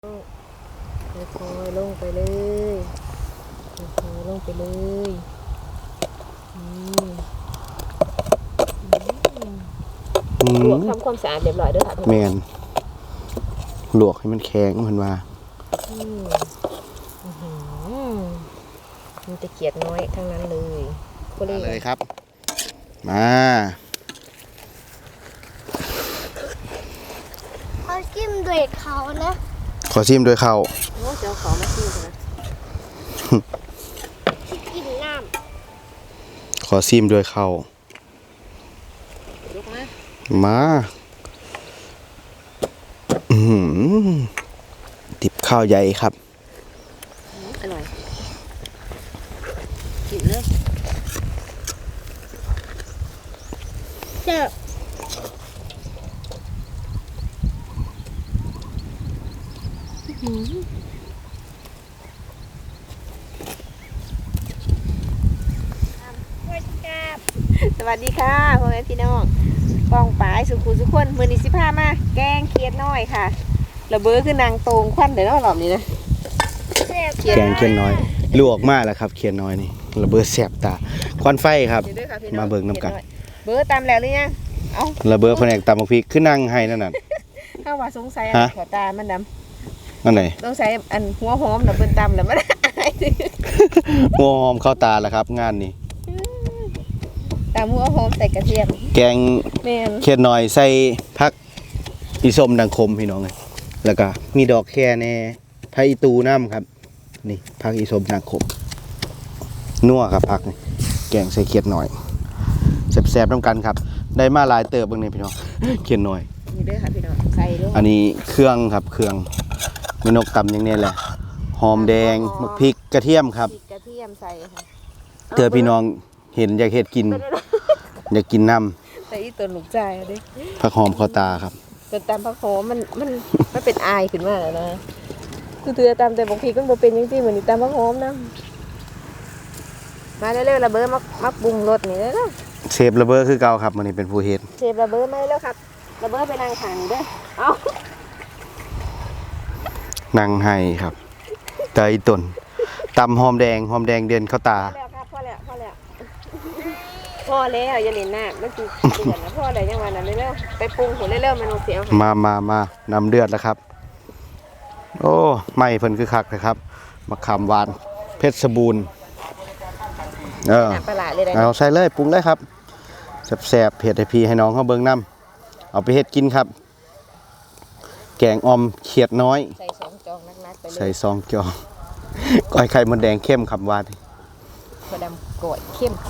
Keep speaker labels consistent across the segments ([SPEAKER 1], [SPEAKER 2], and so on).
[SPEAKER 1] ค่อยๆลงไปเลยค่อยๆลงไปเลยลวกทำความสะอาดเรียบร้อยด้วยค่ะ
[SPEAKER 2] แมนลวกให้มันแข็งมันว่า
[SPEAKER 1] มันจะเกียดน้อยทั้งนั้นเลย
[SPEAKER 2] มาเลยครับมา
[SPEAKER 3] เขาจิ้มด้วยเขานะ
[SPEAKER 2] ขอชิมด้วยข้าว
[SPEAKER 1] โอ้เจ้าของมาชิมนะ
[SPEAKER 3] ที่กินน้
[SPEAKER 2] ขอชิมด้วยข้าวย
[SPEAKER 1] กมา
[SPEAKER 2] มาติบข้าวใหญ่ครับ
[SPEAKER 1] อร่อยกินเลย
[SPEAKER 3] ำเจ้า
[SPEAKER 1] สวัสดีค่ะพ่อแม่พี่น้องป้องปลายสุขุสุขคนมือนิสิพามาแกงเขียดน้อยค่ะระเบ้อคือนางตรงควันเดี๋ยวเราหลอมนี้นะ
[SPEAKER 2] แกงเขียนน้อยลวกมากแล้วครับเขียนน้อยนี่ระเบิดแสบตาควันไฟครับมาเบิ่งน้ำกัน
[SPEAKER 1] เบ้อตามแล้วหรือยังเอา
[SPEAKER 2] ระเบิดแผนกตำบักพริกขึ้นนั่งให้นั่นน่ะ
[SPEAKER 1] ถ้าว่าสงสัยขอตามันดำ
[SPEAKER 2] นั่นไหน
[SPEAKER 1] ต้องใช้อันหัวหอมระเบิดตำแล้วมัน
[SPEAKER 2] หัวหอมเข้าตาแล้วครับงานนี้
[SPEAKER 1] ตำหัวหอมใส่กระเทียม
[SPEAKER 2] แกงเขียดน้อยใส่ผักอีส้มดังคมพี่น้องเลยแล้วก็มีดอกแค่แน่ไผ่ตูน้ำครับนี่ผักอีส้มดังคมนัวครับผักนี่แกงใส่เขียดน้อยแซ่บๆน้ำกันครับได้มาหลายเติบบางเนี่ยพี่น้องเขียดน้อย
[SPEAKER 1] นี่ด้วยค่ะพี่น้องใส่ด้วย
[SPEAKER 2] อันนี้เครื่องครับเครื่องเมนูตำอย่างนี้แหละหอมแดงมะพริกกระเทียมครับ
[SPEAKER 1] กระเทียมใส่ค่ะ
[SPEAKER 2] เตือพี่น้องเห็นอยากเห็ดกินอยากกินน้
[SPEAKER 1] ำแต่อีตัวหนุกใจดิ
[SPEAKER 2] ผักหอมเข้าตาครับ
[SPEAKER 1] เป็นตำผักหอมมันเป็นอายขึ้นมาแล้วนะคือเตือตำแต่บางทีก็บ่เป็นยังที่เหมือนตำผักหอมนะมาเร็วๆระเบ้อมาปรุงรสนี่เลยนะ
[SPEAKER 2] เชฟระเบ้อคือเก่าครับมันนี่เป็นผู้เฮ็ด
[SPEAKER 1] เชฟระเบ้อมาแล้วครับระเบ้อไปนั่งขางนี่เด้อเอา
[SPEAKER 2] นั่งให้ครับใจต้นตำหอมแดงเด่นเข้าตา
[SPEAKER 1] พอแล้วครับพอแล้วอย่าเล่นหน้ามันคือเดือดนะพ่ออะไรยังไงนะเร็วๆไปปรุงหัวเร็วๆเมนูเสียว
[SPEAKER 2] มานำเดือดแล้วครับโอ้ไม่เพิ่นคือคักเลยครับมะขามหวานเพชรบูรณ์
[SPEAKER 1] ปลาเลยได้
[SPEAKER 2] เอาใส่เลยปรุงเลยครับแซ่บๆเผ็ดให้พี่ให้น้องเขาเบิ่งน้ำเอาไปเฮ็ดกินครับแกงออมเขียดน้อย
[SPEAKER 1] ใส่2 จองนักๆไปเลย
[SPEAKER 2] ใส่2 จองก้อยไข่มดแดงเข้มครับวาด
[SPEAKER 1] กระดำโกยเข้ม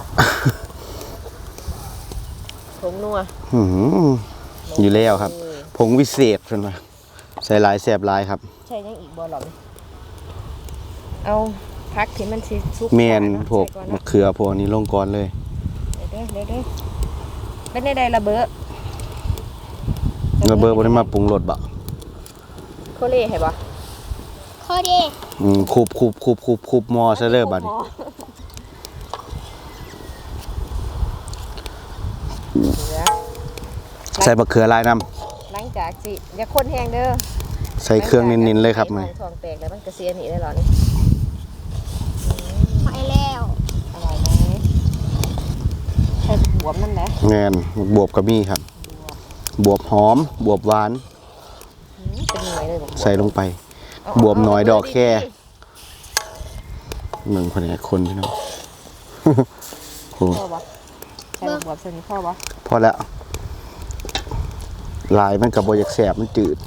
[SPEAKER 1] ผงนัว
[SPEAKER 2] อยู่แล้วครับผงวิเศษเพิ่นว่าใส่หลายแซ่บหลายครับ
[SPEAKER 1] ใช่ยังอีกบ่หรอเอาพักที่มันสิสุก
[SPEAKER 2] แม่นพวกมะเขือพวกนี้ลงก่อนเลย
[SPEAKER 1] เด้อเป็นได้ระเบ้อ
[SPEAKER 2] บ่ได้มาปรุงรสบ่
[SPEAKER 1] โคเล่ให้บ่
[SPEAKER 3] โคเด
[SPEAKER 2] คุบหม้อซะเด้อบัดนี้ใส่มะเขือลายน้
[SPEAKER 1] ำหลังจากสิอย่าข้นแห้งเด้อ
[SPEAKER 2] ใส่เครื่องเน้นๆเลยครับมัน
[SPEAKER 1] ทองแตกแล้วมันกระเซียนนี่ได้หรอนี่
[SPEAKER 3] ไปแล้ว
[SPEAKER 1] อร่อยไหมใส่บวบนั่นแหละ
[SPEAKER 2] แม่นบวบก็มีครับบวบหอมบวบหวานใส่ลงไปบวบน้อยดอกแค่หนึ่งคนคนพี่น้อง
[SPEAKER 1] พ่อวะใส่บวบใส่นี่พ่อวะ
[SPEAKER 2] พอแล้วลายมันกับบอยากแสบมันจืด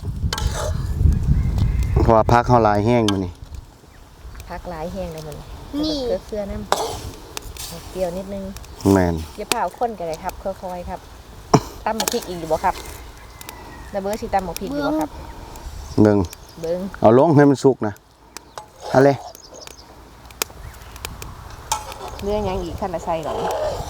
[SPEAKER 2] เพราะว่าพักเขาลายแห้งมันนี่
[SPEAKER 1] พักลายแห้งเลยมัน
[SPEAKER 3] นี่
[SPEAKER 1] เสื้อน้ำเปรี้ยวนิดนึง
[SPEAKER 2] แมน
[SPEAKER 1] อย่าเผาข้นกันเลยครับค่อยๆครับตำหมกพริกอีกอยู่บ่ครับระเบ้อสิตำหมกพริกอยู่บ่ครับ
[SPEAKER 2] เบิ่งเอาลงให้มันสุกนะอะไร
[SPEAKER 1] เรื่องยังอีกขั้นละใส่หรอ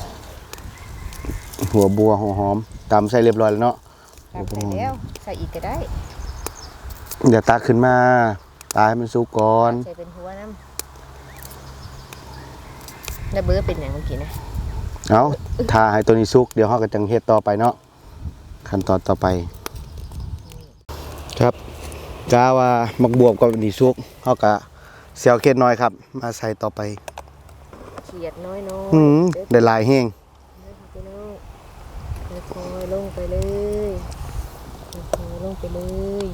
[SPEAKER 2] หัวบัวหัวหอมตำใส่เรียบร้อยแล้วเนาะ
[SPEAKER 1] ตำใส่แล้วใส่อีกก็ได้
[SPEAKER 2] เดี๋ยวตักขึ้นมาตายมันสุกก่อน
[SPEAKER 1] ใส่เป็นหัวน้ำระเบ้อเป็นอย่างเมื่อกี้นะ
[SPEAKER 2] เอาทาให้ตัวนี้สุกเดี๋ยวเขาก็จังเฮ็ดต่อไปเนาะขั้นตอนต่อไปครับกาว่ามักบวบกับนี่สุกเฮากะเสียวเค็ดน้อยครับ มาใส่ต่อไป
[SPEAKER 1] เขียดน้อย
[SPEAKER 2] ได้หลายแห้ง
[SPEAKER 1] พี่น้องค่อยๆลงไปเลยค่อยๆลงไปเลย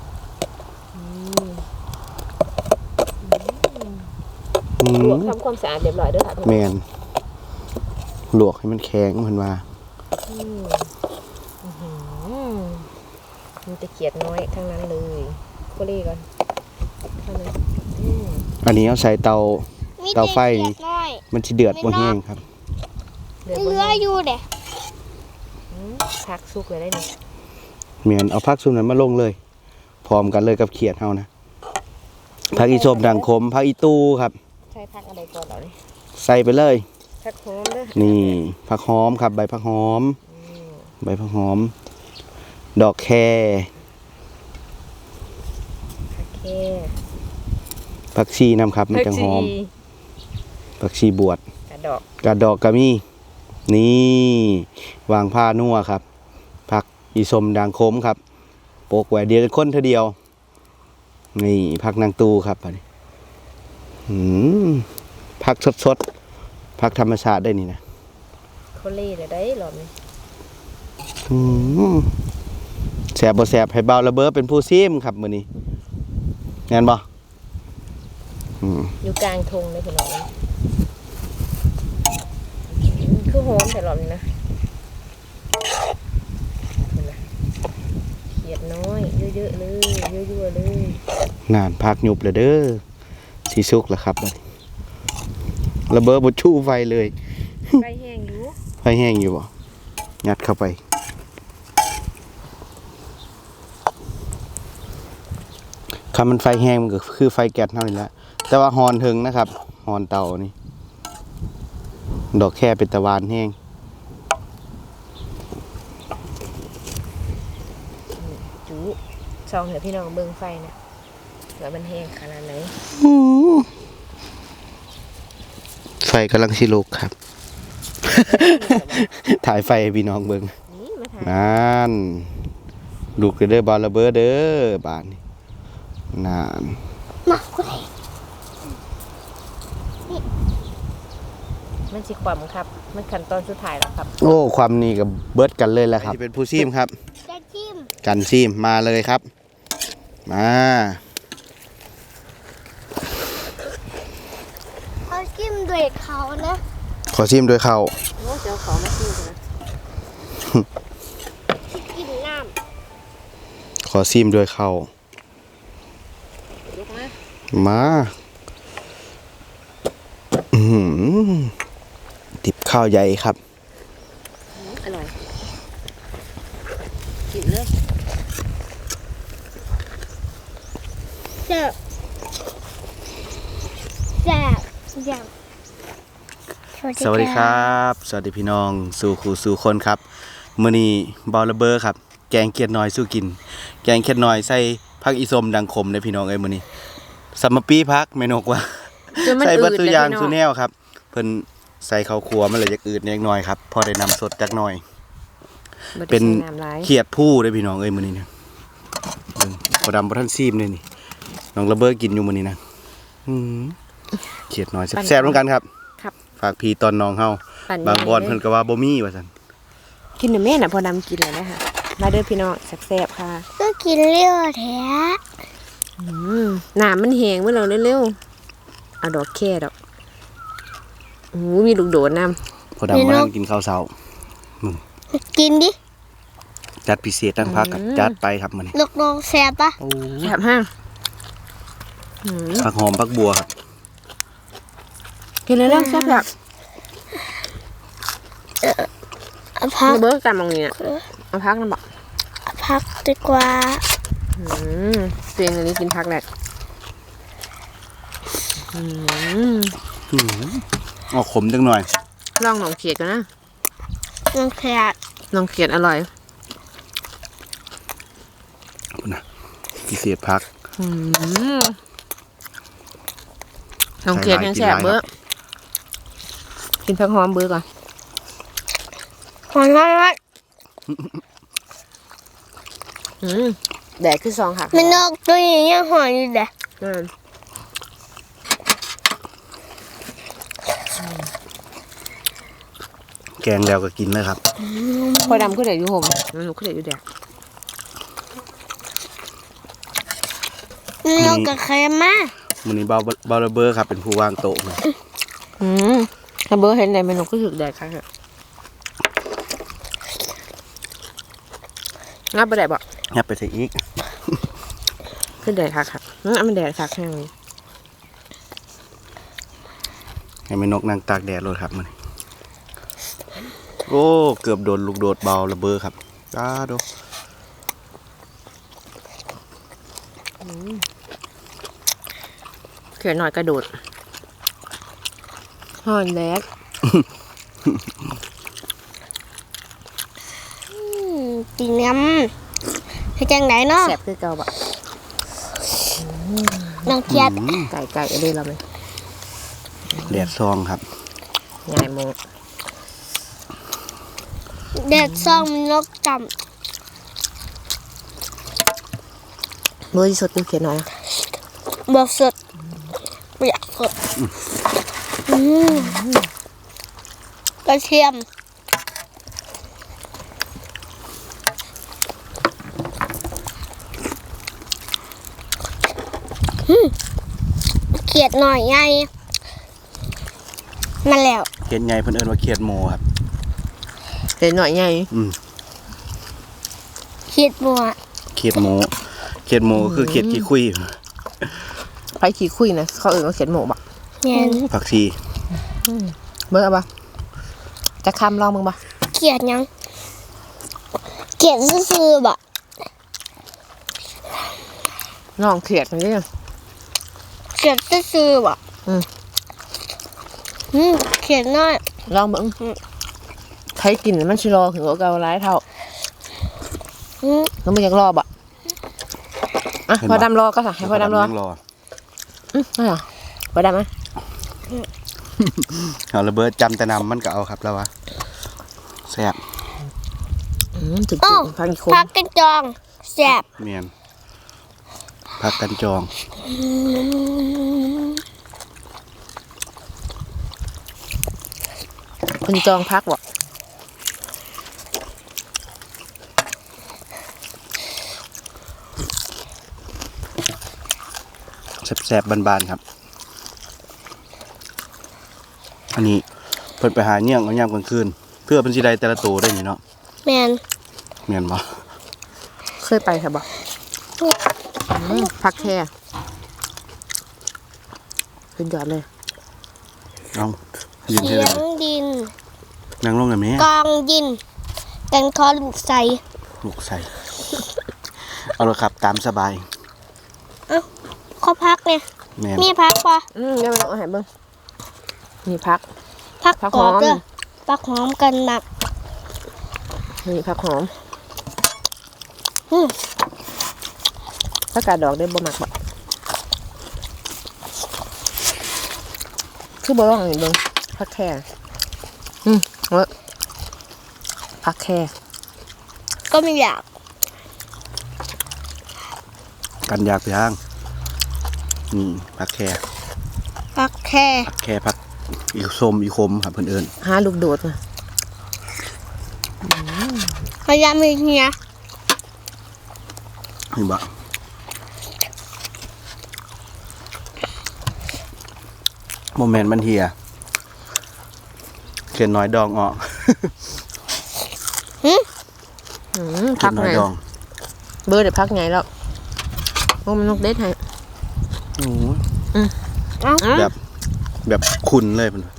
[SPEAKER 1] ลวกทำความสะอาดเรียบร้อยเด้อค่ะ
[SPEAKER 2] แม่นลวกให้มันแข็งเพิ่นว่า
[SPEAKER 1] มีแต่เขียดน้อยทั้งนั้นเลยโคเล่ก่อนเข้ามา
[SPEAKER 2] อันนี้เอาใส่เตา
[SPEAKER 3] มี
[SPEAKER 2] เตาไฟ
[SPEAKER 3] เด็กน้อย
[SPEAKER 2] มันสิเดือดบ่แห้งครับ
[SPEAKER 1] เดือด
[SPEAKER 3] เหลืออยู่เด้
[SPEAKER 1] พักสุกเลยได้นี่
[SPEAKER 2] แม่นเอาผักซุมนั้นมาลงเลย พร้อมกันเลยกับเขียดเฮานะผักอีส้มดังขมผักอีตูครับ
[SPEAKER 1] ใช้พักอะไรก่อนเหรอนี่
[SPEAKER 2] ใส่ไปเลย
[SPEAKER 1] พักหอมเด้อ
[SPEAKER 2] นี่ผักหอมครับ ใบผักหอม ใบผักหอม ดอกแค
[SPEAKER 1] โอเค
[SPEAKER 2] ผักชีน้ำครับมันจังหอมผักชีบวช
[SPEAKER 1] กระดอก
[SPEAKER 2] กระดอกกระมี่นี่วางผ้านัวครับผักอีสมด่างคมครับโปกไว้เดียวกันคนเท่าเดียวนี่ผักนางตูครับอันนี้ผักสดๆผักธรรมชาติได้นี่นะ
[SPEAKER 1] โคเล่เลยได้หรอบนี้
[SPEAKER 2] แสบบ่แสบให้เบาระเบ้อเป็นผู้ซิมครับมื้อนี้งานบ่
[SPEAKER 1] อยู่กลางทงเลยพี่น้องคือหอมแต่หรอบนี้นะเขียดน้อยเยอะๆเลยยั่วๆเลย
[SPEAKER 2] นานพักหยุบเลยเด้อสีสุกแล้วครับบัดนี้ระเบ้อบดชูไฟเลย
[SPEAKER 1] ไฟแห้งอยู่
[SPEAKER 2] ไฟแห้งอยู่บ่งัดเข้าไปคำมันไฟแห้งมันก็คือไฟแก๊สเท่านี้แหละแต่ว่าฮอนถึงนะครับฮอนเตานี่ดอกแค่เป็นตะวันแห้ง
[SPEAKER 1] จุซองเดี๋ยวพี่น้องเบิ่งไฟนะแล้วมันแห้งขนาดไหน
[SPEAKER 2] ไฟกำลังสิลุกครับ ถ่ายไฟให้พี่น้องเบิ่ง
[SPEAKER 1] นี่มาถ่าย
[SPEAKER 2] นั่นลูกเด้อบอลระเบ้อเด้อบานนี่นั่น
[SPEAKER 3] มาคุย
[SPEAKER 1] มันสิความครับมันขั้นตอนสุดท้ายแล้วครับ
[SPEAKER 2] โอ้ความนี่กับเบิร์ดกันเลยแหละครับเป็นผู้ซีมครับ
[SPEAKER 3] จะจิ้ม
[SPEAKER 2] กันซีมมาเลยครับมา
[SPEAKER 3] เขาจิ้มด้วยเขานะ
[SPEAKER 2] ขอซีมด้วยข้าว
[SPEAKER 1] โอ้เจ้าของมาซื้อนะ
[SPEAKER 3] ที่กินน้
[SPEAKER 2] ขอซีมด้วยข้าวย
[SPEAKER 1] กมา
[SPEAKER 2] มาอื้อหือติบข้าวใหญ่ครับ
[SPEAKER 1] อร่อยกินเลย
[SPEAKER 3] ำแซ่บแซ่บอย่าง
[SPEAKER 2] สวัสดีครับ สวัสดีพี่น้องสู่ครูสู่คนครับมื้อนี้บอลระเบ้อครับ แกงเขียดน้อยสู้กิน แกงเขียดน้อยใส่ผักอีส้มดังขมเด้อพี่น้องเอ้ยมื้อนี้สำมะปีพักแม่นกว่า
[SPEAKER 1] จนมัน
[SPEAKER 2] ใส่
[SPEAKER 1] อื
[SPEAKER 2] เบัต
[SPEAKER 1] ด
[SPEAKER 2] ตุ
[SPEAKER 1] เลย
[SPEAKER 2] ยาง
[SPEAKER 1] พี่น้
[SPEAKER 2] สุ
[SPEAKER 1] อง
[SPEAKER 2] แนวครับ เพิ่นใส่ข้าวครัวมันเลยจะอืดนิดหน่อยครับพอได้นำสดจักหน่อย เป็น
[SPEAKER 1] บ่ได้ใส่น้ำหลาย
[SPEAKER 2] เขียดผู้เด้อพี่น้องเอ้ยมื้อนี้เนี่ยเบิ่งบ่ดำบ่ทันซีมเลยนี่น้องระเบ้อกินอยู่มื้อนี้นะเขียดน้อยแซ่บๆเหมือนกันครับ
[SPEAKER 1] ครับ
[SPEAKER 2] ฝากพี่ตอนน้องเฮา
[SPEAKER 1] ปั่น
[SPEAKER 2] บางบอน
[SPEAKER 1] ใหญ่
[SPEAKER 2] เพิ่นก็ว่าบ่มีว่าซั่น
[SPEAKER 1] กินเดี๋ยวแม่น่ะพอดำกินเลยนะคะมาเด้อพี่น้องแซ่บๆค่ะ
[SPEAKER 3] ก็กินเลี้ยวแท้
[SPEAKER 1] น้ำมันแห้งเมื่อเราเร็วๆเอาดอกแค่ดอกโอ้โหมีลูกโดดน้
[SPEAKER 2] พอดำบ่ทันกินข้าวเช้า
[SPEAKER 3] กินดิ
[SPEAKER 2] จัดพิเศษตั้งพักกับจัดไปครับมื้อนี้
[SPEAKER 3] ลูกน้องแซ่บปะ
[SPEAKER 2] โอ้
[SPEAKER 1] ำแซ่บห้าง
[SPEAKER 2] ผักหอมผักบัวครับ
[SPEAKER 1] กินเลยแล้วแซ่บแบบ
[SPEAKER 3] เอาพัก
[SPEAKER 1] เบิร์กกันมองนี่น่ะเอาพักนะบอก
[SPEAKER 3] เอาพักดีกว่า
[SPEAKER 1] ตัวเองอันนี้กินพักแหละ
[SPEAKER 2] เอาขมจังหน่อย
[SPEAKER 1] ลองหนองเขียดกันนะ
[SPEAKER 3] น้องแซ่บ
[SPEAKER 1] หนองเขียดอร่อย
[SPEAKER 2] พุ่นน่ะพิเศษพัก
[SPEAKER 1] หนองเขียดยังแซ่บเบิร์กกินพักหอมเบิร์กก่อน
[SPEAKER 3] หอน
[SPEAKER 1] อืมแดดคือซองค่ะ
[SPEAKER 3] มันนกตัวนี้ยังหอยอยู่เด้อ
[SPEAKER 2] แกงแล้วก็กินเลยครับ
[SPEAKER 1] พอดำก็แดดอยู่ห่มมันก็แดดอยู่แดด
[SPEAKER 3] นกกับใครมา
[SPEAKER 2] มื้อนี้เบาระเบอร์ครับเป็นผู้วางโต๊ะนะ
[SPEAKER 1] ถ้าเบอร์เห็นแดดมันก็ถึกแดดค่ะงับไปแดดบ่
[SPEAKER 2] ยับไปใส่อีก
[SPEAKER 1] ขึ้นแดดค่ะค่ะมันแดดค่ะแค่นี้
[SPEAKER 2] ให้แม่นกนางตากแดดเลยครับมันโอ้เกือบโดนลูกโดดเบาระเบอร์ครับจ้าดู
[SPEAKER 1] เขียนหน่อยกระโดดห่อนแดด
[SPEAKER 3] ปีน้ำให้จังไหนเนาะ
[SPEAKER 1] แสบคือเก่าบ่
[SPEAKER 3] น้องเกียด
[SPEAKER 1] ไก่อะไรเราไหม
[SPEAKER 2] แดดซองครับ
[SPEAKER 1] ง่ายโมง
[SPEAKER 3] เด็ดซ่องมันนกจ
[SPEAKER 1] เบอร์ที่สดกูเขียนหน่อย
[SPEAKER 3] ำบอกสดไม่อยากสดกระเทียมเขียดหน่อยไงมาแล้ว
[SPEAKER 2] เขียดใหญ่เพิ่นเอิ้นว่าเขียดโมครับ
[SPEAKER 1] เขียนหน่อยไง
[SPEAKER 3] เขียดบัว
[SPEAKER 2] เขียดโมคือเขียดขี้คุย
[SPEAKER 1] ไปขี้คุยนะเขาเอ่ยว่าเขียนหมูบ่
[SPEAKER 3] เนี่ย
[SPEAKER 2] ผักชี
[SPEAKER 1] เบอร์เอาบ่จะคำลองมึงบ่
[SPEAKER 3] เขียดยังเขียดซื่อๆบ่
[SPEAKER 1] ลองเขียดมันดิ
[SPEAKER 3] เขียดซื่อๆบ่เขียดน้อย
[SPEAKER 1] ลองเบิ่งใครกินมันชิรอถึงกว่าเก่าหลายเท่าแล้วมันยังรอบ่อ่ะพอดำรอก็สั่งให้พอดำรอ
[SPEAKER 2] ยังรอ
[SPEAKER 1] ไม่หรอพอดำไหม
[SPEAKER 2] เอาระเบิดจำแต่นำมันก็เอาครับแล้ววะแซ่บ
[SPEAKER 1] ถึงพังอีกคน
[SPEAKER 3] พักกันจองแซ่บ
[SPEAKER 2] เมียนผักกันจอง
[SPEAKER 1] คุณจองพักบ่
[SPEAKER 2] แซ่บๆบานๆครับ อันนี้เพิ่นไปหาเงี้ยงเอายามกลางคืนเพื่อเป็นสิได้แต่ละตัวได้นี่เนาะ
[SPEAKER 3] แมน
[SPEAKER 2] เมียนบ่
[SPEAKER 1] เคยไปค่ะบ่พักแค่ขึ้นยอดเลย
[SPEAKER 2] เอายืน
[SPEAKER 3] เสี
[SPEAKER 2] ให้
[SPEAKER 3] ย
[SPEAKER 2] ได้
[SPEAKER 3] งดิน
[SPEAKER 2] นั่งลงกับแม่
[SPEAKER 3] กองดินกันคอลูกใส่
[SPEAKER 2] ลูกใส่เอาละครับตามสบาย
[SPEAKER 3] ข้อพักเนี่ย
[SPEAKER 2] แม่น
[SPEAKER 3] มีพักปะ
[SPEAKER 1] เดี๋ยวไปเอาให้เบิ่งมีพัก
[SPEAKER 3] พัก
[SPEAKER 1] ผัก
[SPEAKER 3] ก
[SPEAKER 1] ห
[SPEAKER 3] อ
[SPEAKER 1] อบ ม
[SPEAKER 3] เด้อพักหอมกันหนัก
[SPEAKER 1] มีผักหอมผักกาดดอกได้บ่มักบ่คือบ่ลองอีกเบิ่งผักแค่ผักแค่
[SPEAKER 3] ก็ไม่อยาก
[SPEAKER 2] กันยากย่างนี่ผักแค่
[SPEAKER 3] พักแค่
[SPEAKER 2] ผักอีส้มอีคมครับเพิ่นเอิ้น
[SPEAKER 1] หาลูกโดดมา
[SPEAKER 3] พยายามมีเฮีย
[SPEAKER 2] เห็นบ่โมเมนต์มันเฮียเขียนน้อยดองออก เขี
[SPEAKER 1] พั
[SPEAKER 2] ย
[SPEAKER 1] ก
[SPEAKER 2] นน้อ
[SPEAKER 1] ไง
[SPEAKER 2] ยดอง
[SPEAKER 1] เบอร์เดี๋ยวพักไงแล้วโอ้มันนกเด็ดให้
[SPEAKER 2] โอ้โห
[SPEAKER 3] เอ้า
[SPEAKER 2] แบบคุณเลยเพิ่น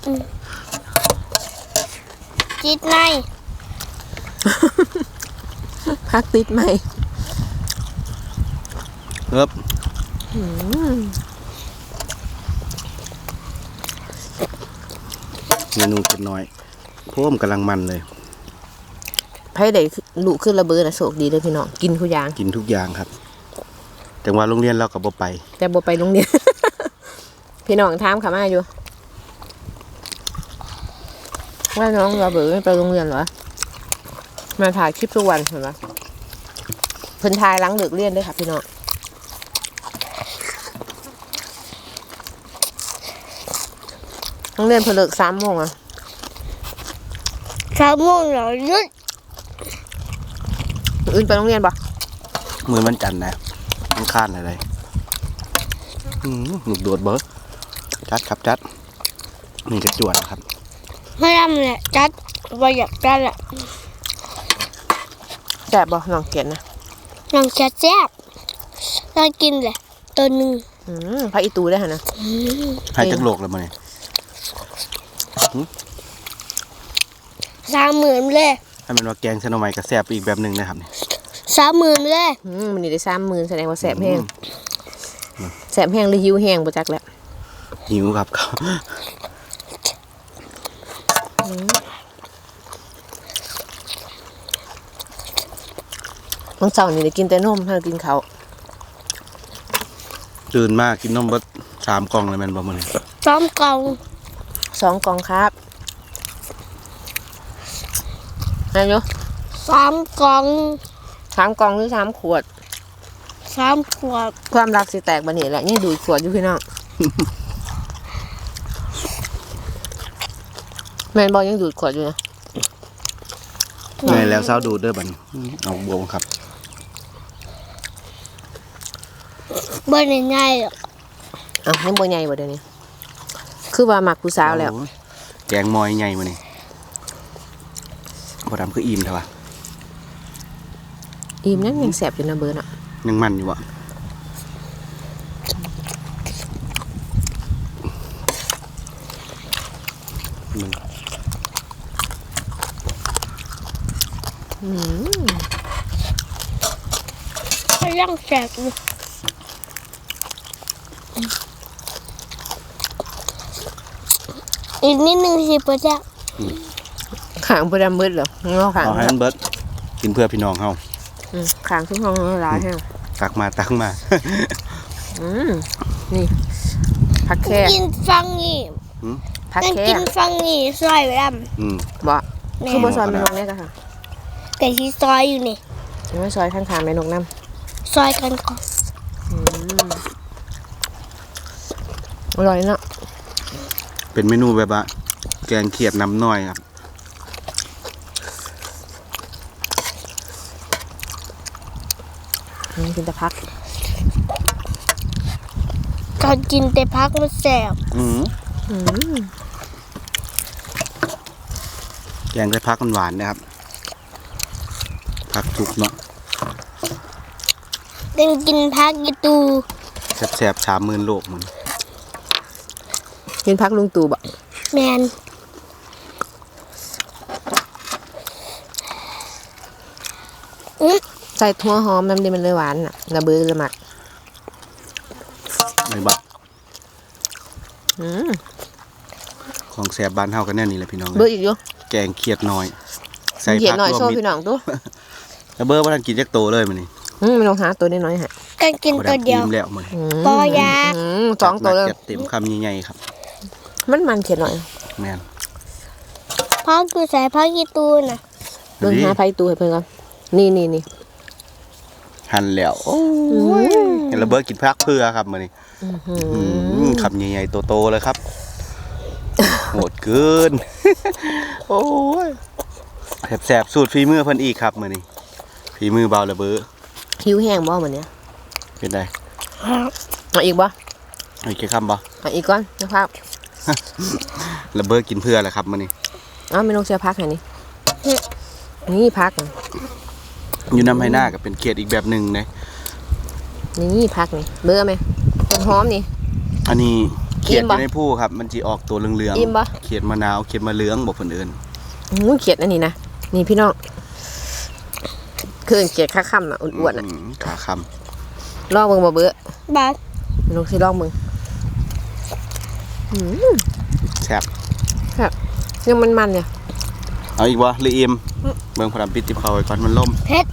[SPEAKER 3] จิตใน
[SPEAKER 1] พักติดไหม
[SPEAKER 2] เอิบเมนูเขียนน้อยพวกมันกำลังมันเลย
[SPEAKER 1] ไพ่ได้ลูกขึ้นระเบิดนะโชคดีเลยพี่น้องกินทุกอย่าง
[SPEAKER 2] กินทุกอย่างครับ แต่ว่าโรงเรียนเรากับบ่ไป
[SPEAKER 1] แต่บ่ไปโรงเรียน พี่น้องถามขามาอยู่ว่าน้องระเบิดไม่ไปโรงเรียนเหรอมาถ่ายคลิปทุกวันเห็นปะเพิ่นทายล้างเลิกเรียนด้วยค่ะพี่น้องโรงเรียนเพิ่นเลิก3 โมงอ่ะ
[SPEAKER 3] 3 โมงเหรอยุด
[SPEAKER 1] อื่นไปโรงเรียนปะ
[SPEAKER 2] มือมันจันทร์นะมันข้านอะไรหนุกโดดเบิร์ดจัดครับจัดนี่กระจวดครับ
[SPEAKER 3] ไม่ทำแหละจัดว่าอยากจัดแหละ
[SPEAKER 1] แซ่บบ่น้องเกียนนะ
[SPEAKER 3] น้องจัดแซ่บน่ากินแหละตัวหนึ่ง
[SPEAKER 1] พระอีตูได้ฮะนะ
[SPEAKER 2] ให้จักโลกแล้วมาเนี่ย
[SPEAKER 3] 30,000เลย
[SPEAKER 2] ให้มันว่าแกงเชนอไมกับแซ่บอีกแบบหนึ่งนะครับเนี่ย
[SPEAKER 3] 30,000เลย
[SPEAKER 1] มันนี่ได้30,000แสดงว่าแซ่บแห้งแซ่บแห้งหรือหิวแห้งบ่จักแหละ
[SPEAKER 2] หิวครับ
[SPEAKER 1] มื้อเช้านี่ได้กินแต่นมถ้ากินข้าว
[SPEAKER 2] ตื่นมากกินนมเบิร์ด3 กล่องเลยแมันบ่มาเนี่ย
[SPEAKER 3] 2 กล่อง
[SPEAKER 1] 2 กล่องครับอายุ
[SPEAKER 3] 3 กล่อง
[SPEAKER 1] 3 กล่องหรือ3 ขวด
[SPEAKER 3] 3 ขวด
[SPEAKER 1] ความรักสิแตกบัดนี้แหละยังดูดขวดอยู่พี่น้อง แม่นบ่ยังดูดขวดอยู่นะ
[SPEAKER 2] ไงแล้วเช้าดูดเด้อบัดนเอาบวงครับ
[SPEAKER 3] บ่ได้ง่ายหรอก
[SPEAKER 1] ยังบ่ใหญ่บ่เดี๋ยวนี้คือว่ามักผู้สาวแล้ว
[SPEAKER 2] โอ้ยแกงมอยใหญ่มาเนี่ยพอดำคืออิ่มเถอะวะ
[SPEAKER 1] อิ่มยังแซ่บอยู่นะเบิร์นอ่ะ
[SPEAKER 2] ยังมันอยู่วะอืม
[SPEAKER 3] ก็ยังแซ่บอยู่อีกนิดนึงสิเปอร์เซ็นต์
[SPEAKER 1] ขางบ่ดำเบิดเหรอง้อขาง
[SPEAKER 2] เอาให้มันเบิร์ดกินเพื่อพี่น้องเฮา
[SPEAKER 1] ขางทุกห้องหลายแห้ง
[SPEAKER 2] ตักมา
[SPEAKER 1] นี่ผักแค่
[SPEAKER 3] กินฟังนี่
[SPEAKER 1] ผัก
[SPEAKER 3] นั่น
[SPEAKER 1] แค่
[SPEAKER 3] กินฟังนี่ซอยไปด
[SPEAKER 1] บ่
[SPEAKER 3] ำ
[SPEAKER 1] คือบ่ซอยแม่นกเนี่ยค่ะ
[SPEAKER 3] ไก่ที่ซอยอยู่นี่
[SPEAKER 1] ยังไม่ซอยข้างๆแม่นกน้
[SPEAKER 3] ซอยกันก่อน
[SPEAKER 1] ำอร่อยเนาะ
[SPEAKER 2] เป็นเมนูแบบว่าแกงเขียดน้ำน้อยครับ
[SPEAKER 1] กินแต่ผัก
[SPEAKER 3] ตอนกินแต่พักมันแซ่บ
[SPEAKER 2] แกงได้พักมันหวานนะครับผักสุกเนาะ
[SPEAKER 3] ยังกินพักอีตู
[SPEAKER 2] แสบ30,000 โลกมัน
[SPEAKER 1] กินผักลุงตู่บ่
[SPEAKER 3] แมน
[SPEAKER 1] ใส่ถั่วหอมมันดีมันเลยหวานน่ะระเบือละหมัก
[SPEAKER 2] ไม่บักของแสบบ้านเฮากันแน่นี่แหละพี่น้อง
[SPEAKER 1] เบืออีกอยู่
[SPEAKER 2] แกงเขียดน้อย ใส่
[SPEAKER 1] เหยียด
[SPEAKER 2] ผัก
[SPEAKER 1] หน่อย
[SPEAKER 2] รวม
[SPEAKER 1] โซ่
[SPEAKER 2] มิต
[SPEAKER 1] พี่
[SPEAKER 2] ร
[SPEAKER 1] น้องตู้
[SPEAKER 2] แล้วเบอร์ว่าท่านกินจักโตเลยมันนี่
[SPEAKER 1] ไม่ลองหาตัวน้อยๆฮะ
[SPEAKER 3] กันกิน
[SPEAKER 2] พอ
[SPEAKER 3] ตัว
[SPEAKER 2] ดำ
[SPEAKER 3] เดียว
[SPEAKER 2] อิ่มแล้วมัน
[SPEAKER 3] ปอยา
[SPEAKER 1] 2 ตัวเลย
[SPEAKER 2] จัดเต็มคำใหญ่ๆครับ
[SPEAKER 1] มันเขียนหน่อย
[SPEAKER 2] แม่น
[SPEAKER 3] พักคือใส่พักอีตูน่ะ
[SPEAKER 1] เบิ่งหาไผตู้ให้เพิ่นก่อนนี่
[SPEAKER 2] หั่นแล้วโอ้ยเห็นระเบิดกินพักเพื่อครับมันนี่คำใหญ่ๆโตๆเลยครับโหดเกิน โอ้ยแสบๆสูตรฝีมือเพิ่นอีกครับมื้อนี้ฝีมือเบาระเบ้อ
[SPEAKER 1] หิวแห้งบ่มื้อนี้
[SPEAKER 2] เป็นได
[SPEAKER 1] เอาอีกบ่
[SPEAKER 2] เอาอีกแค่คำบ่
[SPEAKER 1] เอาอีกก่อนนะครับ
[SPEAKER 2] ระเบ้อกินเพื่อแหละครับมื้อนี้
[SPEAKER 1] เอาไม่ลงเสียพักให้นี่นี่พัก
[SPEAKER 2] อยู่น้ำให้หน้าก็เป็นเขียดอีกแบบหนึงนะ
[SPEAKER 1] นี่พักนี่เบื่อไหมต้นหอมนี่
[SPEAKER 2] อันนี้เขียด
[SPEAKER 1] อิ่ม
[SPEAKER 2] อ
[SPEAKER 1] บ่
[SPEAKER 2] ยู่ในผู้ครับมันสิออกตัวเหลือง
[SPEAKER 1] อิ่มบ่
[SPEAKER 2] เขียดมะนาวเขียดมะเหลืองบ่เพิ่นเอิ้น
[SPEAKER 1] เขียดอันนี้นะนี่พี่น้องคือเขียดข้าค่ำน่ะอ้วนๆน่ะ
[SPEAKER 2] ขาค
[SPEAKER 1] ลองเบิ่งบ่เบื่อ
[SPEAKER 3] บัก
[SPEAKER 1] ไม่ลงสิลองเบิ่ง
[SPEAKER 2] ำแซ่บ
[SPEAKER 1] ยังมันๆเนี่ย
[SPEAKER 2] เอาอีกบ่หรืออิ่มเบิ่งพอดำปิดติบเขาไว้ก่อนมันล่ม
[SPEAKER 3] เผ็ด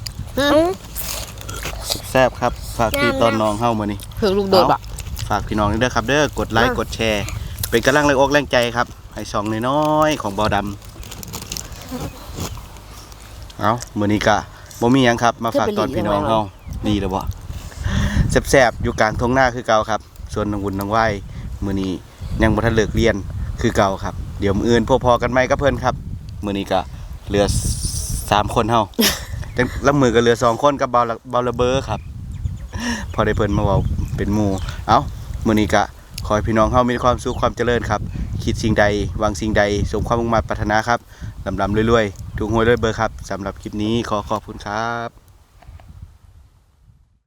[SPEAKER 2] แซ่บครับฝากพี่ตอนน้องเฮามื้อนี้
[SPEAKER 1] เพิ่งลูกโดดบ่
[SPEAKER 2] ฝากพี่น้องด้วยครับเด้อกดไลค์กดแชร์ เป็นกำลังแรงอกแรงใจครับให้ช่องน้อยๆของเบาดำเอามื้อนี้ก็บ่มีหยังครับมาฝากตอนพี่น้องเฮาดีแล้วบ่แซ่บๆอยู่กลางทุ่งนาคือเก่าครับส่วนน้องวุ่นน้องไหวมื้อนี้ยังบ่ทันเลิกเรียนคือเก่าครับเดี๋ยวมื้ออื่นพอๆกันใหม่กับเพิ่นครับมื้อนี้ก็เหลือ3คนเฮา แต่ละมือก็เหลือ2คนกับเบาระเบ้อครับพอได้เพิ่นมาเว้าเป็นหมู่เอ้ามื้อนี้ก็ขอให้พี่น้องเฮามีความสุขความเจริญครับคิดสิ่งใดหวังสิ่งใดสมความมุ่งมั่นปรารถนาครับลำๆรวยๆถูกหวยรวยเบอร์ครับสำหรับคลิปนี้ขอขอบคุณครับ